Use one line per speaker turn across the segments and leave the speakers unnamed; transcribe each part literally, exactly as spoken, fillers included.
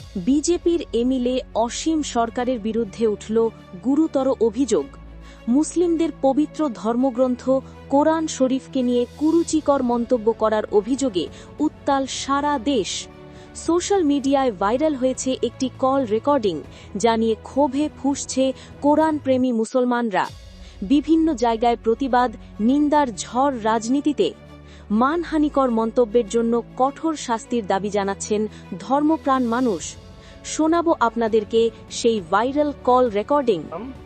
বিজেপির এমএলএ অসীম সরকারের বিরুদ্ধে উঠল গুরুতর অভিযোগ। মুসলিমদের পবিত্র ধর্মগ্রন্থ কোরআন শরীফকে নিয়ে কুরুচিকর মন্তব্য করার অভিযোগে উত্তাল সারা দেশ। সোশ্যাল মিডিয়ায় ভাইরাল হয়েছে একটি কল রেকর্ডিং, যা নিয়ে ক্ষোভে ফুঁসছে কোরআন প্রেমী মুসলমানরা। বিভিন্ন জায়গায় প্রতিবাদ, নিন্দার ঝড় রাজনীতিতে। মানহানিকর মন্তব্যের জন্য কঠোর শাস্তির দাবি জানাচ্ছেন ধর্মপ্রাণ মানুষ। শোনাব আপনাদেরকে সেই ভাইরাল কল রেকর্ডিং।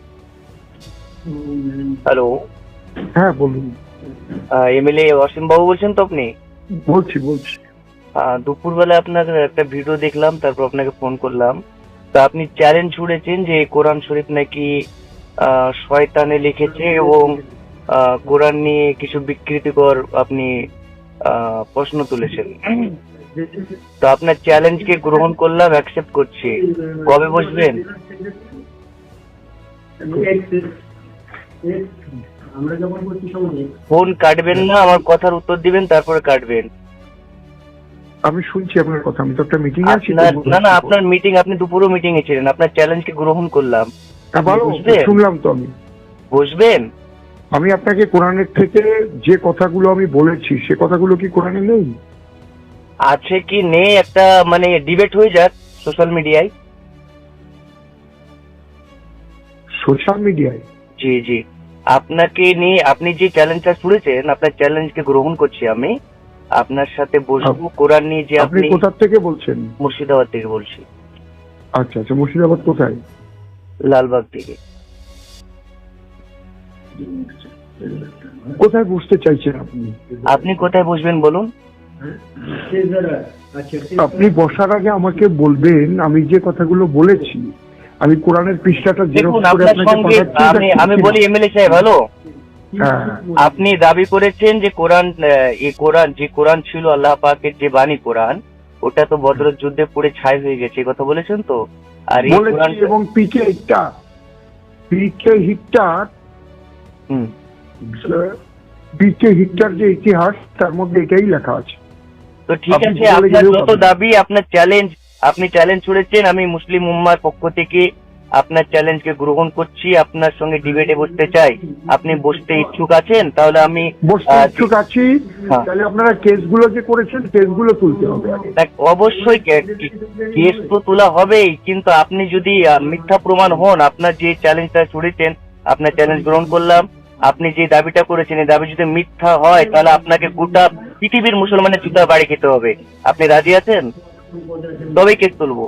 হ্যালো,
হ্যাঁ বলুন।
এমএলএ অসীম বাবু বলছেন তো আপনি?
বলছি বলছি
আহ, দুপুরবেলা আপনার একটা ভিডিও দেখলাম, তারপর আপনাকে ফোন করলাম। তা আপনি চ্যালেঞ্জ ছুড়েছেন যে কোরআন শরীফ নাকি আহ, শয়তানে লিখেছে এবং আহ, কোরআন নিয়ে কিছু বিকৃতিকর আপনি আহ, প্রশ্ন তুলেছেন। তো আপনার চ্যালেঞ্জকে গ্রহণ করলাম, অ্যাকসেপ্ট করছি। কবে বসবেন? ফোন কাটবেন না, আমার কথার উত্তর দিবেন, তারপরে কাটবেন।
আমি শুনছি আপনার কথা। আমি তো একটা মিটিং আছি।
আপনার না না আপনার মিটিং, আপনি দুপুরও মিটিং এ ছিলেন। আপনার চ্যালেঞ্জকে গ্রহণ করলাম।
হ্যাঁ, ভালো,
বুঝবেন?
শুনলাম তো আমি।
বসবেন?
আমি আপনাকে কোরআনের থেকে যে কথাগুলো আমি বলেছি সে কথাগুলো কি কোরআনে নেই?
আছে কি নেই একটা মানে ডিবেট হয়ে যাক সোশ্যাল মিডিয়ায়।
সোশ্যাল মিডিয়ায়?
জি জি, আপনাকে নিয়ে আপনি যে চ্যালেঞ্জটা ছুড়েছেন, আপনার চ্যালেঞ্জকে গ্রহণ করছি আমি। আপনার সাথে বসবো কোরআন নিয়ে। যে
আপনি
আপনি
কোথা থেকে বলছেন?
মুর্শিদাবাদ থেকে বলছি।
আচ্ছা আচ্ছা, মুর্শিদাবাদ কোথায়?
লালবাগ থেকে।
কোথায় বসতে চাইছেন আপনি?
আপনি কোথায় বসবেন বলুন?
আপনি বসার আগে আমাকে বলবেন আমি যে কথাগুলো বলেছি। আমি কোরআনের পৃষ্ঠাটা
দেখুন,
জেরক্স করে
আপনার
আপনাকে
সঙ্গে
পাঠাচ্ছি।
আমি আমি বলি এমএলএ সাহেব, হ্যালো।
হ্যাঁ,
আপনি দাবি করেছেন যে কোরআন, এই কোরআন যে কোরআন ছিল আল্লাহ পাকের যে বাণী কোরআন, ওটা তো বদরের যুদ্ধে পুড়ে ছাই হয়ে গেছে, এই কথা বলেছেন তো? আর এই
বলেছি।
কোরআন
এবং পিকে হিটটা পিকে হিটটার
হুম
পিকে হিটটার যে ইতিহাস, তার মধ্যে এটাই লেখা আছে।
তো ঠিক
আপনি
আছে,
বলে
আপনার
গেলেও
যত
পাবেন।
দাবি, আপনার চ্যালেঞ্জ, আপনি চ্যালেঞ্জ ছুড়েছেন, আমি মুসলিম উম্মার পক্ষ থেকে আপনার চ্যালেঞ্জকে গ্রহণ করছি। আপনার সঙ্গে ডিবেটে বসতে চাই। আপনি বসতে ইচ্ছুক আছেন? তাহলে আমি
বসতে
আহ,
ইচ্ছুক আছি।
হ্যাঁ।
তাহলে আপনারা কেসগুলো যে করেছেন কেসগুলো তুলতে হবে আগে।
দেখ, অবশ্যই কে- কে- কেস তো তোলা হবেই, কিন্তু আপনি যদি আহ, মিথ্যা প্রমাণ হন, আপনার যে চ্যালেঞ্জটা ছুড়েছেন, আপনার চ্যালেঞ্জ গ্রহণ করলাম। আপনি যে দাবিটা করেছেন, এই দাবি যদি মিথ্যা হয়, তাহলে আপনাকে গোটা পৃথিবীর মুসলমানের জুতা বাড়ি খেতে হবে। আপনি রাজি আছেন? তবেই কেস তুলবো।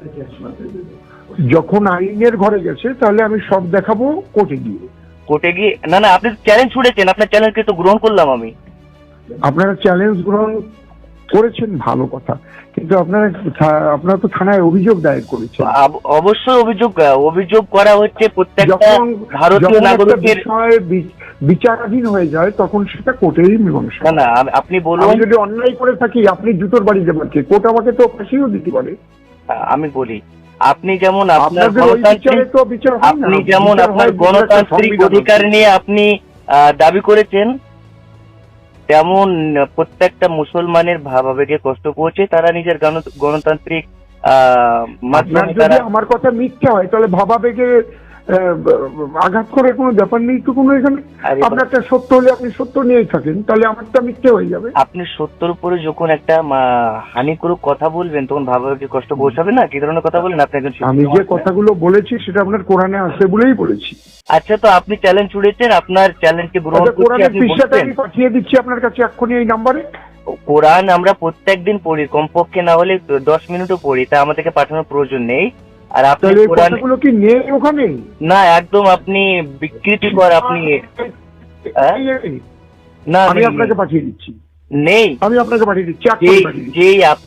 যখন আইনের ঘরে গেছে তাহলে আমি সব দেখাবো কোর্টে গিয়ে।
কোর্টে গিয়ে? না না, আপনি চ্যালেঞ্জ ছুড়েছেন, আপনার চ্যালেঞ্জকে তো গ্রহণ করলাম আমি।
আপনারা চ্যালেঞ্জ গ্রহণ করেছেন, ভালো কথা, কিন্তু আপনারা থা- আপনারা তো থানায় অভিযোগ দায়ের করেছেন।
আব- অবশ্যই অভিযোগ অভিযোগ করা হচ্ছে প্রত্যেকটা
যখন
ভারতীয়
যখন একটা
নাগরিকের।
বিষয় বি- বিচারাধীন হয়ে যায় তখন সেটা কোর্টেরই মীমাংসা।
না না, আপ- আপনি বলুন।
আমি যদি অন্যায় করে থাকি আপনি জুতোর বাড়ি দেবেন, কোর্ট আমাকে তো ফাঁসিও দিতে পারে।
আমি বলি, আপনি যেমন আপনার
আপনাদের ওই বিচারে
গণতান্ত্রিক
তো বিচার হয় না।
আপনি যেমন
বিচার
আপনার
হয়
গণতান্ত্রিক
সংবিধান।
অধিকার নিয়ে আপনি আহ, দাবি করেছেন, তেমন প্রত্যেকটা মুসলমানের ভাবাবেগে কষ্ট পৌঁছে তারা নিজের গণ- গণতান্ত্রিক আহ,
আপনার
মাধ্যমে
যদি
তারা।
আমার কথা মিথ্যা হয় তাহলে ভাবাবেগে আহ, আঘাত করে কোনো ব্যাপার নেই তো কোনো এখানে।
আরে
আপনারটা সত্য হলে আপনি সত্য নিয়েই থাকেন, তাহলে আমারটা মিথ্যে হয়ে যাবে।
আপনি সত্যর উপরে যখন একটা মা- হানিকরক কথা বলবেন, তখন ভাবাবেগে কষ্ট পৌঁছাবে না? কি ধরনের কথা বলেন আপনি একজন শিক্ষিত
আমি যে
মানুষ না?
কথাগুলো বলেছি সেটা আপনার কোরআনে আছে বলেই বলেছি।
আচ্ছা, তো আপনি চ্যালেঞ্জ ছুড়েছেন, আপনার চ্যালেঞ্জকে গ্রহণ
আচ্ছা,
করছি।
কোরআনের
আপনি
পৃষ্ঠাটা
বলছেন
আমি পাঠিয়ে দিচ্ছি আপনার কাছে এক্ষুনি এই নাম্বারে।
কোরআন আমরা প্রত্যেকদিন পড়ি, কমপক্ষে না হলে দশ মিনিটও পড়ি, তা আমাদেরকে পাঠানোর প্রয়োজন নেই। আর আপনি
তাহলে এই
কোরআন
কথাগুলো কি নেই ওখানে?
না, একদম আপনি বিকৃতিকর, আপনি হ্যাঁ? না
আমি
নেই,
আপনাকে পাঠিয়ে দিচ্ছি।
নেই।
আমি আপনাকে পাঠিয়ে দিচ্ছি এক্ষুনি
যেই
পাঠিয়ে দিচ্ছি।
যেই আপ-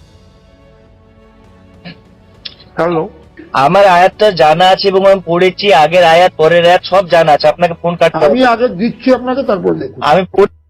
হ্যালো,
আমার আয়াতটা জানা আছে এবং আমি পড়েছি, আগের আয়াত পরের আয়াত সব জানা আছে। আপনাকে ফোন কাটতে
আমি
হবে।
আগে দিচ্ছি আপনাকে, তারপর দেখুন।
আমি পড়-